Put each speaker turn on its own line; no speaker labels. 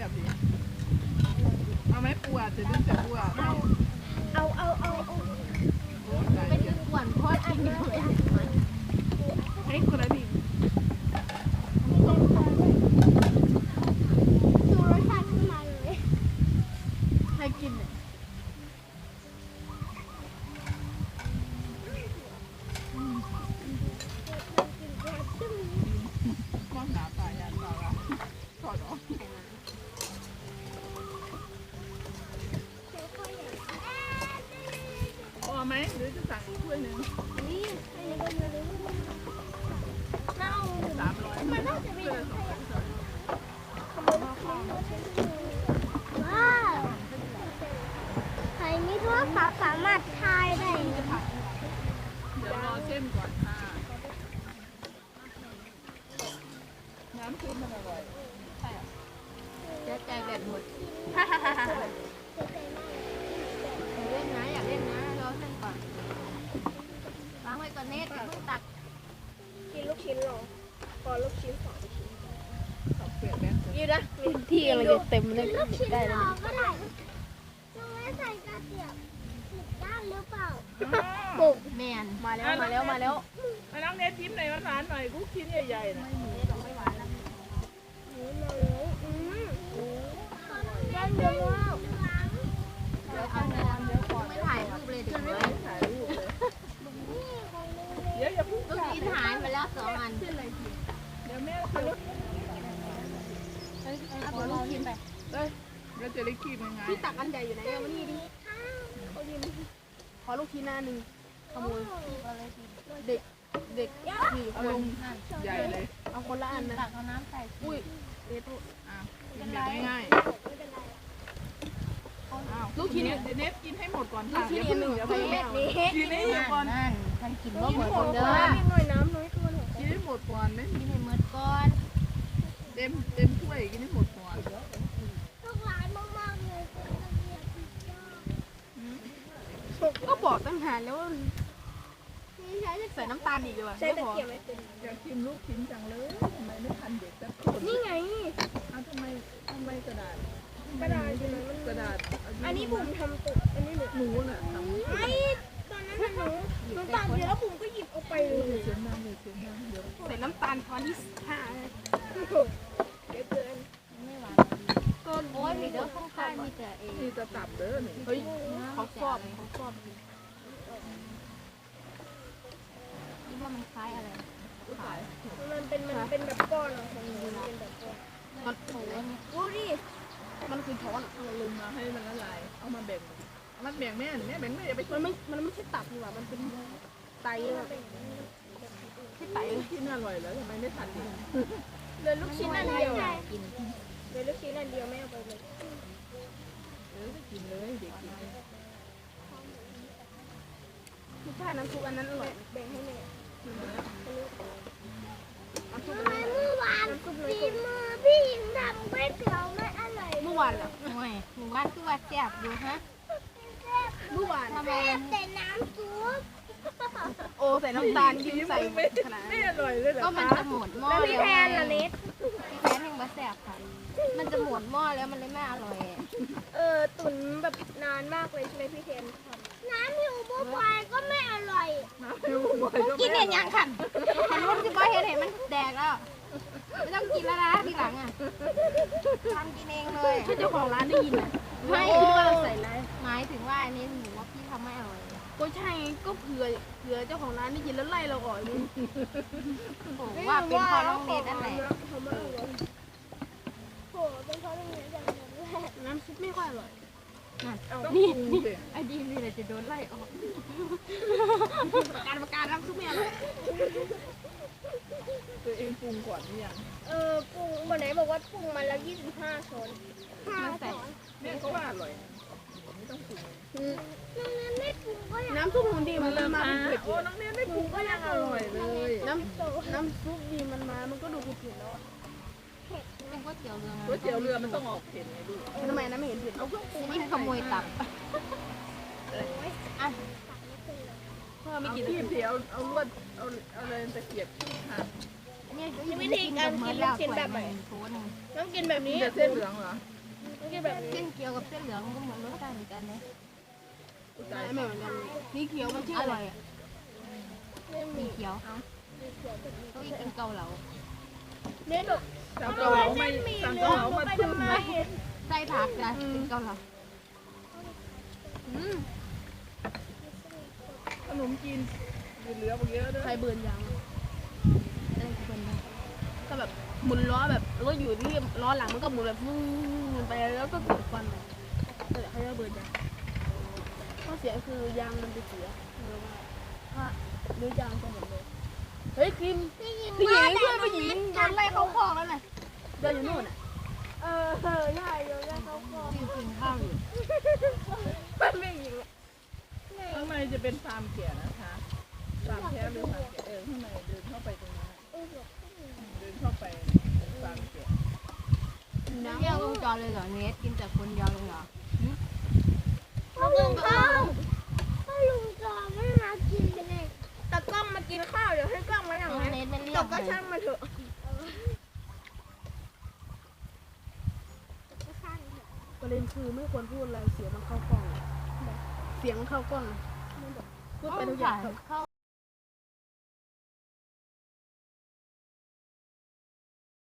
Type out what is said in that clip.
ซ่บดีเอาไหมปูอ่ะจะดึงแต่ปูอ่ะเอา
เป็นคือขวัญพอดกินไม่ไหว
ให้คนละดิ
ดูรสชาติขึ้นมาเลย
ให้กินเนี่ย
ก้อนหนาตายยันตาละถอดออกพอไหมหรือจะสั่งอีกถ้วยหนึ่ง
นี่อันนี้ก็เยอะเลยน่าเอา
300
มันน่าจะมี
ถ้วยละ200
ว้าวใครมีโทรศัพท์สามารถถ่ายได้
เดี๋ยวรอเส้นก่อนค่ะน้ำซุปมันอร่อย
เจ๊ใจแบบหมดเล่นนะอยากเล่นนะรอเส้นก่อนวางไว้ก่อนเน็ตเพิ่งตัก
กินลูกชิ้นหรอพอลูกชิ้น2 ชิ้น
ขอบเปลือกแม่
ยืดนะที่อะไรจะเต็มเลย
ลูกชิ้นหรอก็ได้ต้องไม่ใส่กระเทียมผิดด้านหรือเปล่า
ปุกแมนมาแล้ว
มาน้องเนทยิ้มหน่อยหวานๆหน่อยกุ๊กชิ้นใหญ่ๆนะ
ไม่หวานแล้ว
ด้านเดียวแล้ว
เดี๋ยวเอาเนื้อไม่ถ่ายรูปเลยเดี๋ยว
ถ่ายรูปเลย
นี่ของนึงเลย
เดี๋ยวอย่าพูด
ลูกชิ้นหายไปแล้ว2 อัน
เดี๋ยวแม่เอาลูก
เอาลูกชิ้นไป
แล้วจะได้คีบยังไง
พี่ตักอันใหญ่อยู่ไหนเอามานี่ดิขอลูกชิ้นหน้าหนึ่งขโมยเด็ก4
เอา
ค
ล
น
งใหญ่เลย
เอาคนละอันนะตักเอาน้ำใส่อุ้ยเด็ด
กินแบบง่ายๆลูกชิ้นเนทกินให้หมดก่อนค่ะ
ลูกชิ้นหนึ่ง
เดี๋ยว
ไป
ไป
นี่
กินให้หมดก่อน
นั่นท่านกินว่าเหมือนคนเดิม
หน่อยน้ำน้อยตัวหน่อย
กินให้หมดก่อนเลย
กินให้เหมือนก่อน
เต็มถ้วยกินให้หมดก่อน
ลูกหลานมากๆเลยเป็นระเบียบผิดยอด
ก็บอกตั้งนานแล้วว่าใส่น้ำตาลอีกเลย
ใช้ตะเกียบไม่เป็น
อยากกินลูกชิ้นจังเลยทำไมไม่ทันเด็กสักคน
นี่ไง
ทำไมกระดาษ
กระดาษใช่ไหมมัน
กระดาษ
อันนี้บุ๋มทำตกอันนี้หนู
น่ะทำ
ไม่ตอนนั้นน่ะหนูตามเยอะบุ๋มก็หยิบเอาไปเลย
เสียงดังเดี๋ยว
ใส่น้ำตาลช้อนที่5
เดี๋ยวเกิน
ไม่หวานก็โอ้ยมีเด้อข้างๆมีแต่เอง
นี่จะตับเด้อนี่
เฮ้ยเขาชอบคิดว่ามันคล้ายอะไร
มันเป็นแบบก้อนอะของหนูมันเป็นแบบก้อน
มันโอ้ย
ดูดิ
มันคือช้อน
เอาลงมาให้มันละลายเอามาแบ่งแม่แบ่งแม่อย่าไป
มันไม่ใช่ตับนี่หว่ามันเป็นไตแบบที่ไต
กินอร่อยแล้วทำไมไม่ทันกิน
เหลือลูกชิ้นอันเดียว
กิน
เหลือลูกชิ้นอันเดียวไม่เอาไปเลย
กินเลยเด็กกิน
คือถ้าน้ำซุปอันนั้นอร่อย
แบ่งให้แม่
น้ำซุป
ทำไมเมื่อวานฝีมือพี่หญิงทำก๋วยเตี๋ยวไม่อร่อย
เมื่อวานเหรอไม่เมื่อวานคือว่าแซ่บอยู่ฮะ
เมื่อวานทำไมแต่น้ำซุป
โอ้ใส่น้ำตาลยิ้มใส่ขนาด
ไม่
นั้น
อร่อยเลยเหรอ
ก็มันจะหมดหม้อ
แล้วพี่แทนล่ะเน็ต
พี่แทนแห่งบะแซ่บค่ะมันจะหมดหม้อแล้วมันเลยไม่อร่อย
ตุ๋นแบบนานมากเลยใช่ไหมพี่แทนทำน้ำหิวบัวควายก็ไม่อร่อย
กินเห็นยังขันขันรุ่นที่บ่เห็นเห็นมันแดกแล้วไม่ต้องกินแล้วนะทีหลังอ่ะทำกินเองเลยถ้าเจ้าของร้านได้ยินอ่ะไม่ว่าเราใส่อะไรหมายถึงว่าอันนี้หนูว่าพี่ทำไม่อร่อยก็ใช่ก็เผื่อเจ้าของร้านได้ยินแล้วไล่เราออกนี่ผมว่าเป็นเพราะน้องเนทนั่นแหละ
ทำไม่อร่อยโหเป็นเพราะโรงเรียนอย่างนั้นแหละ
น้ำซุปไม่ค่อยอร่อย
นี่
ไอ้ดีนี่แหละจะโดนไล่ออกประการน้ำซุปไม่อร่อย
ตัวเองปรุงก่อนหรือยัง
ปรุงวันไหนบอกว่าปรุงมาแล้ว25 ช้อน
มันใส่
แม่ก็ว่าอร่อยไม่ต้องปรุง
น้องนั้นไม่ปรุงก็ยัง
น้ำซุปของดีมันเริ่มมาเป็นเผ็ด
โอ้น้องเนทไม่ปรุงก็ยังอร่อยเลย
น้ำซุปดีมันมามันก็ดูเผ็ดแล้วเป็นก๋วยเตี๋ยวเรือ
ก๋วยเตี๋ยวเรือมันต้องออกเผ็ดไงลูก
ทำไมนะไม่เห็นเผ็ดเอาเครื่องปรุงนี่ขโมยตับอ่ะเพิ่มไม่
เอา
กี่
ที่เดียวเอาลวดเอาอะไรตะเกียบที่หั่น
เนี่ยวิธีการกินลูกชิ้นแบบไหนต้องกินแบบนี้
เส้นเหลืองเหรอ
ต้องกินแบบเส้นเกี๊ยวกับเส้นเหลืองก็เหมือนรสชาติเหมือนกันนะ
ไม่เหมือนกัน
นี่เกี๊ยวมันชื่ออะไรอ่ะมีเกี๊ยวต้องกินเกาเหลาเนี่ยดู
สั่งเกาเหลาไม่สั่งเกาเหลามาทุ่มเลย
ใส่ผักจ้ะกินเกาเหลา
ขนมจีนเหลือเยอะด้วย
ใครเบิร์นยางอะไรคือเบิร์นยางก็แบบหมุนล้อแบบรถอยู่ที่ล้อหลังมันก็หมุนแบบฟูนไปแล้วก็เกิดควันแต่เขาจะเบิร์นยางข้อเสียคือยางมันจะเสียว่าหรือยางจะหมดเลยเฮ้ยคิมพี่หญิงเพื่อนผู้หญิงโดนไล่เข้าคอกแล้วน่ะเดินอยู่นู่นน่ะใช่โดนไล่เข้าคอกกินข้าวอยู่
มันไม่ยิงข้างในจะเป็นฟาร์มแกะนะคะฟาร์มแพะหรือฟาร์มแกะข้างในเดินเข้าไปตรงนั้นเดินเข้าไปฟาร์มแกะ
น้ำแยกวงจรเลยเหรอเนสกินแต่คนเดียวเลยเหรอ
ลุงข้าวถ้าลุงจอไม่มากินเป็นไง
แต่กล้องมากินข้าวเดี๋ยวให้กล้องมาอย่างนั้นแต่ก็ช่างมาเถอะประเด็นคือไม่ควรพูดอะไรเสียงมันเข้ากล้องเสียงมันเข้ากล้องพูดไปทุกอย่าง